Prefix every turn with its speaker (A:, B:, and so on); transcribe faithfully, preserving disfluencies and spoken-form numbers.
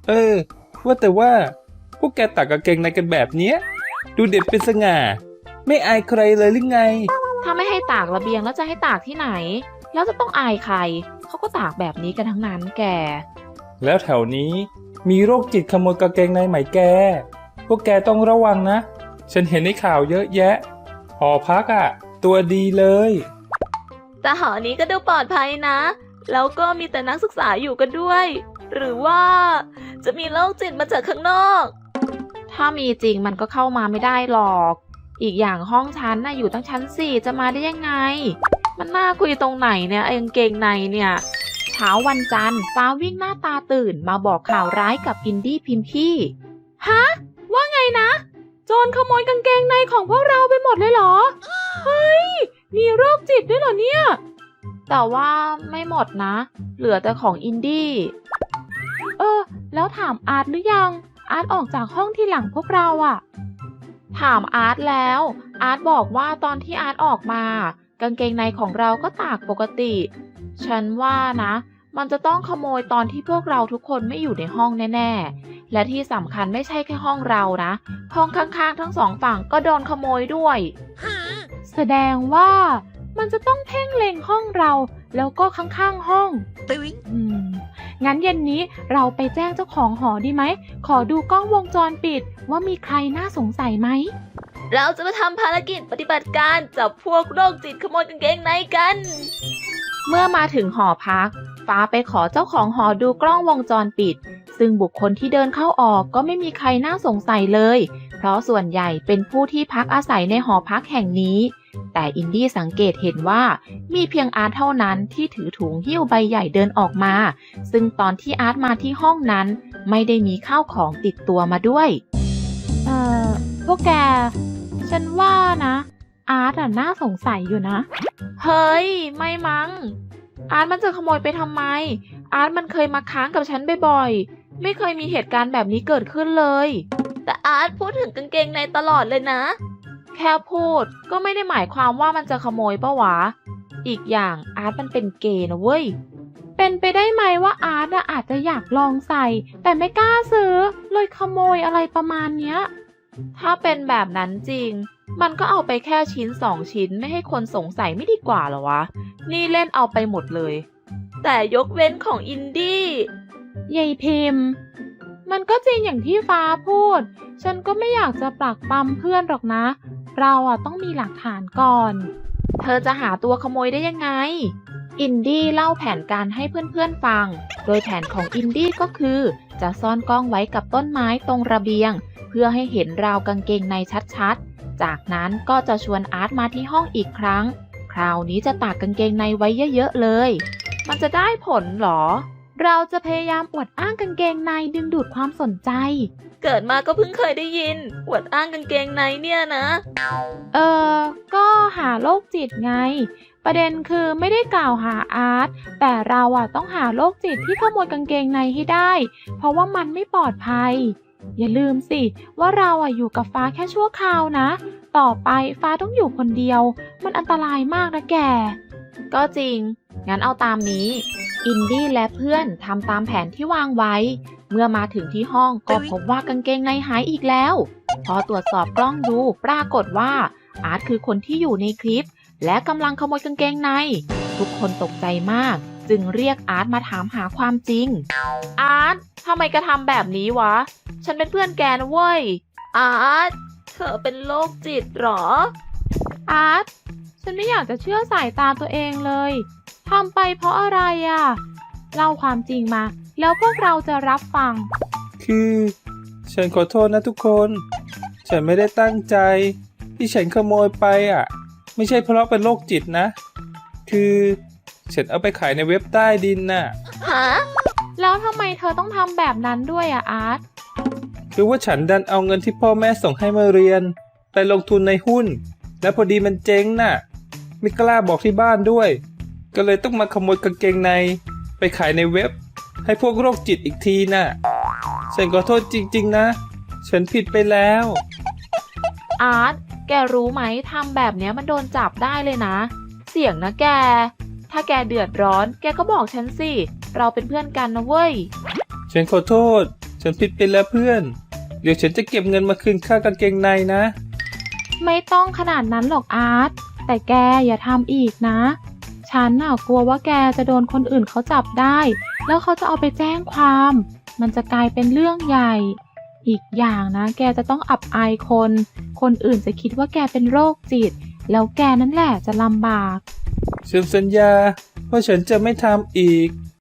A: เออว่าแต่ว่าพวกแกตากกางเกงในกันแบบเนี้ยดูเด็ดเป็นสง่าไม่อายใครเลยหรือไง
B: ถ้าไม่ให้ตากระเบียงแล้วจะให้ตากที่ไหนแล้วจะต้องอายใครเขาก็ตากแบบนี้กันทั้งนั้นแก
A: แล้วแถวนี้มีโรคจิตขโมยกางเกงในไหมแกพวกแกต้องระวังนะฉันเห็นในข่าวเยอะแยะหอพักอ่ะตัวดีเลย
C: แต่หอนี้ก็ดูปลอดภัยนะแล้วก็มีแต่นักศึกษาอยู่กันด้วยหรือว่าจะมีโรคจิตมาจากข้างนอก
B: ถ้ามีจริงมันก็เข้ามาไม่ได้หรอกอีกอย่างห้องฉันน่ะอยู่ตั้งชั้นสี่จะมาได้ยังไงมันน่าคุยตรงไหนเนี่ยไอ้กางเกงในเนี่ยเช้าวันจันทร์ฟ้าวิ่งหน้าตาตื่นมาบอกข่าวร้ายกับอินดี้พิมพี่ฮะว่าไงนะโจรขโมยกางเกงในของพวกเราไปหมดเลยเหรอเฮ้ยมีโรคจิตด้วยเหรอเนี่ยแต่ว่าไม่หมดนะเหลือแต่ของอินดี้เออแล้วถามอาร์ตหรือยังอาร์ตออกจากห้องที่หลังพวกเราอะถามอาร์ตแล้วอาร์ตบอกว่าตอนที่อาร์ตออกมากางเกงในของเราก็ตากปกติฉันว่านะมันจะต้องขโมยตอนที่พวกเราทุกคนไม่อยู่ในห้องแน่ๆและที่สำคัญไม่ใช่แค่ห้องเรานะห้องข้างๆทั้งสองฝั่งก็โดนขโมยด้วยแสดงว่ามันจะต้องเพ่งเล็งห้องเราแล้วก็ข้างๆห้องอืมงั้นเย็นนี้เราไปแจ้งเจ้าของหอดีไหมขอดูกล้องวงจรปิดว่ามีใครน่าสงสัยไหม
C: เราจะมาทำภารกิจปฏิบัติการจับพวกโรคจิตขโมยกางเกงในกัน
B: เมื่อมาถึงหอพักฟ้าไปขอเจ้าของหอดูกล้องวงจรปิดซึ่งบุคคลที่เดินเข้าออกก็ไม่มีใครน่าสงสัยเลยเพราะส่วนใหญ่เป็นผู้ที่พักอาศัยในหอพักแห่งนี้แต่อินดี้สังเกตเห็นว่ามีเพียงอาร์ตเท่านั้นที่ถือถุงหิ้วใบใหญ่เดินออกมาซึ่งตอนที่อาร์ตมาที่ห้องนั้นไม่ได้มีข้าวของติดตัวมาด้วยเอ่อพวกแกฉันว่านะอาร์ตอ่ะน่าสงสัยอยู่นะเฮ้ยไม่มั้งอาร์ตมันจะขโมยไปทำไมอาร์ตมันเคยมาค้างกับฉันบ่อยๆไม่เคยมีเหตุการณ์แบบนี้เกิดขึ้นเลย
C: แต่อาร์ตพูดถึงกางเกงในตลอดเลยนะ
B: แค่พูดก็ไม่ได้หมายความว่ามันจะขโมยปะวะอีกอย่างอาร์ตมันเป็นเกย์นะเว้ยเป็นไปได้ไหมว่าอาร์ตอาจจะอยากลองใส่แต่ไม่กล้าซื้อเลยขโมยอะไรประมาณเนี้ยถ้าเป็นแบบนั้นจริงมันก็เอาไปแค่ชิ้นสองชิ้นไม่ให้คนสงสัยไม่ดีกว่าเหรอวะนี่เล่นเอาไปหมดเลย
C: แต่ยกเว้นของอินดี้
B: ยายพิมพ์มันก็จริงอย่างที่ฟ้าพูดฉันก็ไม่อยากจะปลักปั๊มเพื่อนหรอกนะเราอ่ะต้องมีหลักฐานก่อนเธอจะหาตัวขโมยได้ยังไงอินดี้เล่าแผนการให้เพื่อนๆฟังโดยแผนของอินดี้ก็คือจะซ่อนกล้องไว้กับต้นไม้ตรงระเบียงเพื่อให้เห็นราวกางเกงในชัดๆจากนั้นก็จะชวนอาร์ตมาที่ห้องอีกครั้งคราวนี้จะตากกางเกงในไว้เยอะๆเลยมันจะได้ผลหรอเราจะพยายามอวดอ้างกางเกงในดึงดูดความสนใจ
C: เกิดมาก็เพิ่งเคยได้ยินอวดอ้างกางเกงในเนี่ยนะ
B: เออก็หาโรคจิตไงประเด็นคือไม่ได้กล่าวหาอาร์ตแต่เราอะต้องหาโรคจิตที่ขโมยกางเกงในให้ได้เพราะว่ามันไม่ปลอดภัยอย่าลืมสิว่าเราอะอยู่กับฟ้าแค่ชั่วคราวนะต่อไปฟ้าต้องอยู่คนเดียวมันอันตรายมากนะแกก็จริงงั้นเอาตามนี้อินดี้และเพื่อนทำตามแผนที่วางไว้เมื่อมาถึงที่ห้องก็พบว่ากางเกงในหายอีกแล้วพอตรวจสอบกล้องดูปรากฏว่าอาร์ตคือคนที่อยู่ในคลิปและกำลังขโมยกางเกงในทุกคนตกใจมากจึงเรียกอาร์ตมาถามหาความจริงอาร์ตทำไมกระทำแบบนี้วะฉันเป็นเพื่อนแกนะเว้ย
C: อาร์ตเธอเป็นโรคจิตหรอ
B: อาร์ตฉันไม่อยากจะเชื่อสายตาตัวเองเลยทำไปเพราะอะไรอ่ะเล่าความจริงมาแล้วพวกเราจะรับฟัง
A: คือฉันขอโทษนะทุกคนฉันไม่ได้ตั้งใจที่ฉันขโมยไปอ่ะไม่ใช่เพราะเป็นโรคจิตนะคือฉันเอาไปขายในเว็บใต้ดินน่ะ
C: ฮะ
B: แล้วทำไมเธอต้องทำแบบนั้นด้วยอ่ะอาร์ต
A: คือว่าฉันดันเอาเงินที่พ่อแม่ส่งให้มาเรียนไปลงทุนในหุ้นแล้วพอดีมันเจ๊งน่ะไม่กล้าบอกที่บ้านด้วยก็เลยต้องมาขโมยกางเกงในไปขายในเว็บให้พวกโรคจิตอีกทีน่ะฉันขอโทษจริงๆนะฉันผิดไปแล้ว
B: อาร์ตแกรู้ไหมทำแบบนี้มันโดนจับได้เลยนะเสี่ยงนะแกถ้าแกเดือดร้อนแกก็บอกฉันสิเราเป็นเพื่อนกันนะเว้ย
A: ฉันขอโทษฉันผิดไปแล้วเพื่อน เดี๋ยวฉันจะเก็บเงินมาคืนค่ากางเกงในนะ
B: ไม่ต้องขนาดนั้นหรอกอาร์ตแต่แกอย่าทำอีกนะ ฉันน่ะกลัวว่าแกจะโดนคนอื่นเขาจับได้ แล้วเขาจะเอาไปแจ้งความ มันจะกลายเป็นเรื่องใหญ่ อีกอย่างนะแกจะต้องอับอายคน คนอื่นจะคิดว่าแกเป็นโรคจิต แล้วแกนั่นแหละจะลำบาก
A: ฉันสัญญาว่าฉันจะไม่ทำอีก